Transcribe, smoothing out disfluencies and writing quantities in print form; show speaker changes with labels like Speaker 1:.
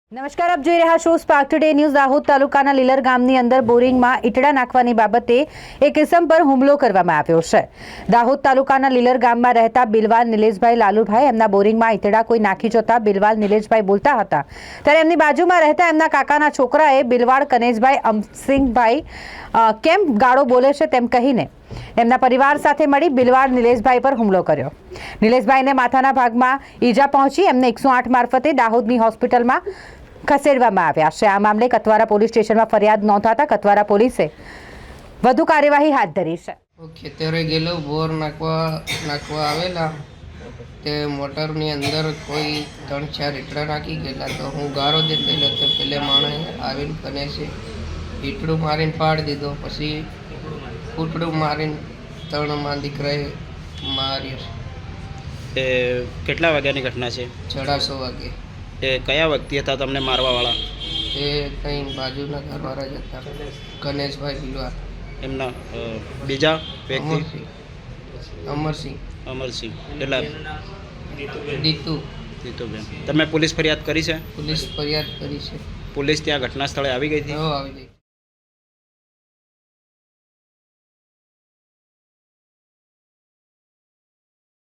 Speaker 1: નમસ્કાર, આપ જોઈ રહ્યા છો સ્પાર્ક ટુડે ન્યૂઝ। દાહોદ તાલુકાના લીલર ગામની અંદર બોરિંગમાં ઈટડા નાખવાની બાબતે એક ઇસમ પર હુમલો કરવામાં આવ્યો છે। દાહોદ તાલુકાના લીલર ગામમાં રહેતા બિલવાલ નિલેશભાઈ લાલુભાઈ એમના બોરિંગમાં ઈટડા કોઈ નાખી જતા બિલવાલ નિલેશભાઈ બોલતા હતા ત્યારે એમની બાજુમાં રહેતા એમના કાકાના છોકરાએ બિલવાડ કનેશભાઈ અમસિંગભાઈ કેમ ગાળો બોલે છે તેમ કહીને એમના પરિવાર સાથે મળી બિલવાડ નિલેશભાઈ પર હુમલો કર્યો। નિલેશભાઈને માથાના ભાગમાં ઈજા પહોંચી એમને 108 મારફતે દાહોદની હોસ્પિટલમાં ખસેડવામાં આવ્યા છે। આ મામલે કતવારા પોલીસ સ્ટેશનમાં ફરિયાદ નોંધાતા કતવારા પોલીસે વધુ કાર્યવાહી હાથ ધરી છે।
Speaker 2: ખેતરે ગયેલો બોર નાખવા આવેલા તે મોટરની અંદર કોઈ 3-4 ઈટડા નાખી ગયેલા તો હું ગારો દેતેલો તો પેલે માણસે આવીને કને છે ઈટડું મારીને પાડી દીધો। પછી કૂટડું મારીને 3 માં દીકરાએ માર્યો।
Speaker 3: એ કેટલા વાગ્યાની ઘટના છે? 6:30
Speaker 2: વાગે।
Speaker 3: એ કયા વ્યક્તિ હતા તમને મારવાવાળા?
Speaker 2: એ કંઈ બાજુના ઘરવાળા જ હતા, ગણેશભાઈ બિલવા।
Speaker 3: એમના બીજા વ્યક્તિ?
Speaker 2: અમરસિંહ
Speaker 3: એટલે
Speaker 2: દીતુબેન।
Speaker 3: તમે પોલીસ ફરિયાદ કરી છે?
Speaker 2: પોલીસ ફરિયાદ કરી છે।
Speaker 3: પોલીસ ત્યાં ઘટના સ્થળે આવી ગઈ હતી?
Speaker 2: આવી ગઈ।